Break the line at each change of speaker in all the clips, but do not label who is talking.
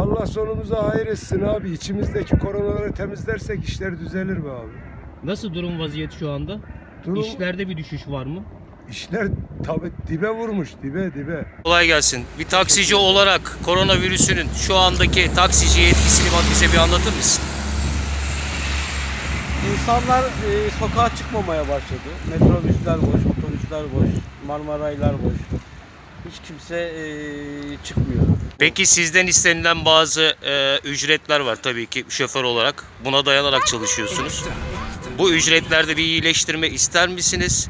Allah sonumuza hayır etsin abi. İçimizdeki koronaları temizlersek işler düzelir be abi.
Nasıl durum vaziyet şu anda?
Durum,
İşlerde bir düşüş var mı?
işler tabi dibe vurmuş, dibe.
Kolay gelsin. Bir taksici olarak koronavirüsünün şu andaki taksiciye etkisini bize bir anlatır mısın?
İnsanlar sokağa çıkmamaya başladı. Metrobüsler boş, otobüsler boş, Marmaraylar boş. Hiç kimse çıkmıyor.
Peki sizden istenilen bazı ücretler var tabii ki şoför olarak. Buna dayanarak çalışıyorsunuz. Bu ücretlerde bir iyileştirme ister misiniz?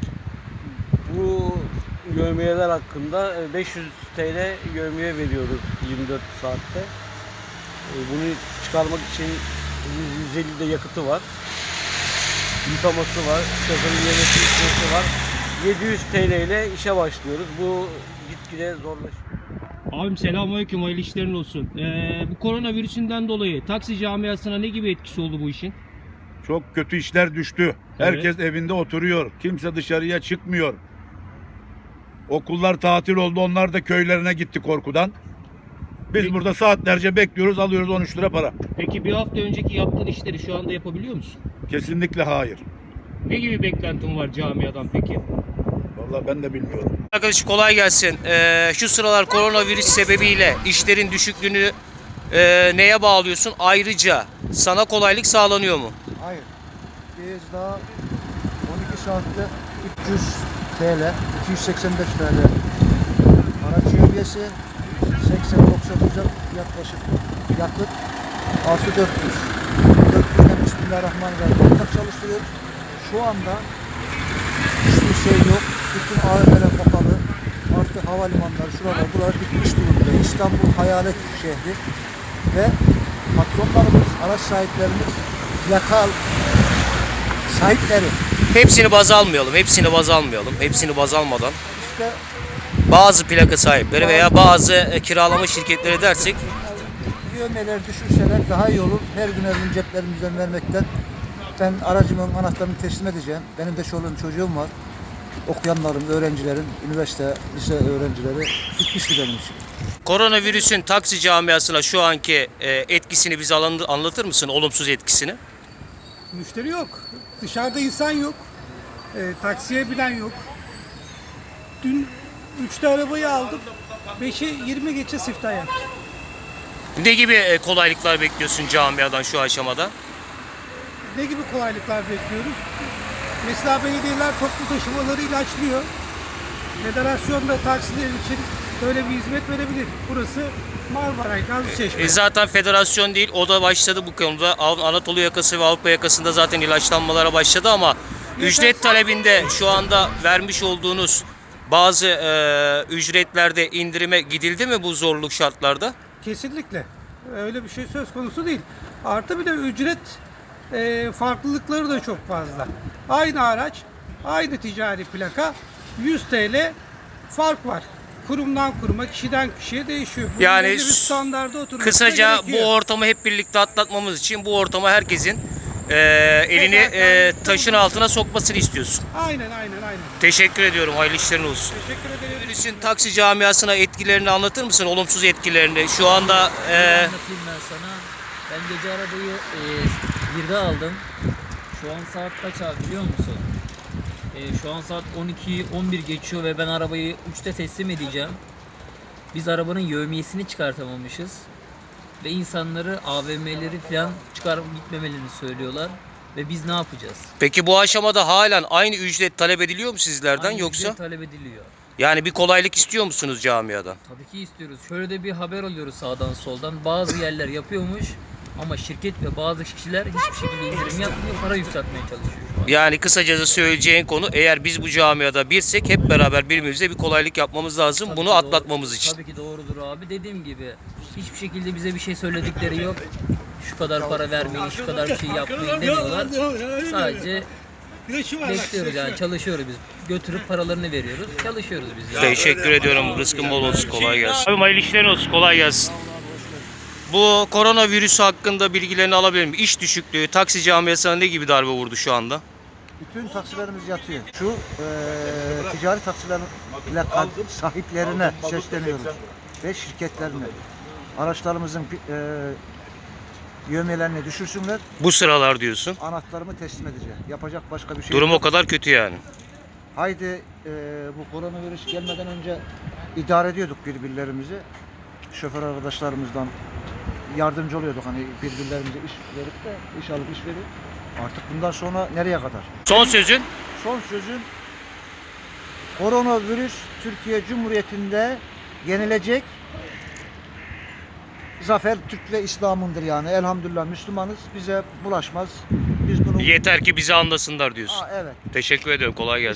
Bu yevmiyeler hakkında 500 TL yevmiye veriyoruz 24 saatte. Bunu çıkarmak için 150 de yakıtı var. Yıkaması var, şoförün yemesi içmesi var. 700 TL ile işe başlıyoruz. Bu gitgide zorlaşıyor.
Abim selamünaleyküm, hayırlı işlerin olsun. Bu koronavirüsünden dolayı taksi camiasına ne gibi etkisi oldu bu işin?
Çok kötü işler düştü. Herkes evinde oturuyor. Kimse dışarıya çıkmıyor. Okullar tatil oldu. Onlar da köylerine gitti korkudan. Biz burada saatlerce bekliyoruz. Alıyoruz 13 lira para.
Peki bir hafta önceki yaptığın işleri şu anda yapabiliyor musun?
Kesinlikle hayır.
Ne gibi beklentin var camiadan peki?
Vallahi ben de bilmiyorum.
Arkadaş kolay gelsin. Şu sıralar koronavirüs sebebiyle işlerin düşüklüğünü neye bağlıyorsun? Ayrıca sana kolaylık sağlanıyor mu?
Hayır. Biz daha 12 saatte 300 TL, 285 TL araç üyesi, 80-90 lira yaklaşık yakıt, artı 400. 400'den Bismillahirrahmanirrahim ortak çalıştırıyoruz. Şu anda hiçbir şey yok. Bütün AVM'ler kapalı. Artık havalimanları, şuralar, buralar bitmiş durumda. İstanbul hayalet şehri ve patronlarımız, araç sahiplerimiz, plaka sahipleri
Hepsini baz almayalım. Hepsini baz almadan
işte
bazı plaka sahipleri veya bazı kiralama şirketleri dersek
yövmeler düşürseler daha iyi olur. Her gün her gün ceplerimizden vermekten ben aracımın anahtarını teslim edeceğim. Benim de çoluğum çocuğum var. Okuyanların, öğrencilerin, üniversite, lise öğrencileri bitmişti benim için.
koronavirüsün taksi camiasına şu anki etkisini bize anlatır mısın? Olumsuz etkisini.
Müşteri yok. Dışarıda insan yok. Taksiye binen yok. Dün 3'te arabayı aldım. 5'e 20 geçe siftah yaptım.
Ne gibi kolaylıklar bekliyorsun camiadan şu aşamada?
Ne gibi kolaylıklar bekliyoruz? Mesela belediyeler toplu taşımaları ilaçlıyor. Federasyon da taksiler için böyle bir hizmet verebilir. Burası Marmaray, Gazlıçeşme.
Zaten federasyon değil, o da başladı bu konuda. Anadolu yakası ve Avrupa yakasında zaten ilaçlanmalara başladı ama ücret talebinde şu anda vermiş olduğunuz bazı ücretlerde indirime gidildi mi bu zorluk şartlarda?
Kesinlikle. Öyle bir şey söz konusu değil. Artı bir de ücret farklılıkları da çok fazla. Aynı araç, aynı ticari plaka 100 TL fark var. Kurumdan kuruma, kişiden kişiye değişiyor. Bunun
Yani
belli bir standarda oturması
kısaca bu
gerekiyor.
ortamı hep birlikte atlatmamız için bu ortama herkesin elini taşın altına sokmasını istiyorsun.
Aynen.
Teşekkür ediyorum. Hayırlı işlerin olsun.
Teşekkür ederim.
Virüsün taksi camiasına etkilerini anlatır mısın? Olumsuz etkilerini. Şu anda
Anlatayım ben sana. Ben gece arabayı 1'de aldım. Şu an saat kaç abi biliyor musun? Şu an saat 12-11 geçiyor ve ben arabayı 3'te teslim edeceğim. Biz arabanın yevmiyesini çıkartamamışız. Ve insanları AVM'leri falan çıkarıp gitmemelerini söylüyorlar. Ve biz ne yapacağız?
peki bu aşamada halen aynı ücret talep ediliyor mu sizlerden
Aynı
yoksa?
ücret talep ediliyor.
Yani bir kolaylık istiyor musunuz camiadan?
Tabii ki istiyoruz. Şöyle de bir haber alıyoruz sağdan soldan. Bazı yerler yapıyormuş ama şirket ve bazı kişiler hiçbir şekilde indirim yapmıyor. Para yükseltmeye çalışıyor şu an.
Yani kısacası söyleyeceğin konu, eğer biz bu camiada birsek hep beraber birbirimize bir kolaylık yapmamız lazım.
Tabii
Bunu
ki
atlatmamız
doğru,
için.
Tabii ki doğrudur abi. Dediğim gibi hiçbir şekilde bize bir şey söyledikleri yok. Şu kadar para vermeyin, şu kadar bir şey yapmayın demiyorlar. Sadece bekliyoruz yani, çalışıyoruz biz. Götürüp paralarını veriyoruz. Çalışıyoruz biz. Yani.
Teşekkür ediyorum. Rızkın bol olsun. Kolay gelsin. Abi hayırlı işlerin olsun. Kolay gelsin. Bu koronavirüs hakkında bilgilerini alabilir miyim? İş düşüklüğü, taksi camiasına ne gibi darbe vurdu şu anda?
Bütün taksilerimiz yatıyor. Şu ticari taksilerin plaka sahiplerine sesleniyoruz ve şirketlerine. Araçlarımızın yövmiyelerini düşürsünler.
Bu sıralar diyorsun.
Anahtarımı teslim edeceğim. Yapacak başka bir şey
Durum
yok.
o kadar kötü yani.
Haydi bu koronavirüs gelmeden önce idare ediyorduk birbirlerimizi. Şoför arkadaşlarımızdan yardımcı oluyorduk. Hani birbirlerimize iş verip de iş alıp iş verip. Artık bundan sonra nereye kadar?
Son sözün?
Son sözüm, koronavirüs Türkiye Cumhuriyeti'nde yenilecek. Zafer Türk ve İslam'ındır yani. Elhamdülillah Müslümanız. Bize bulaşmaz. Biz bunu...
Yeter ki bizi anlasınlar diyorsun.
Evet.
Teşekkür ederim. Kolay gelsin.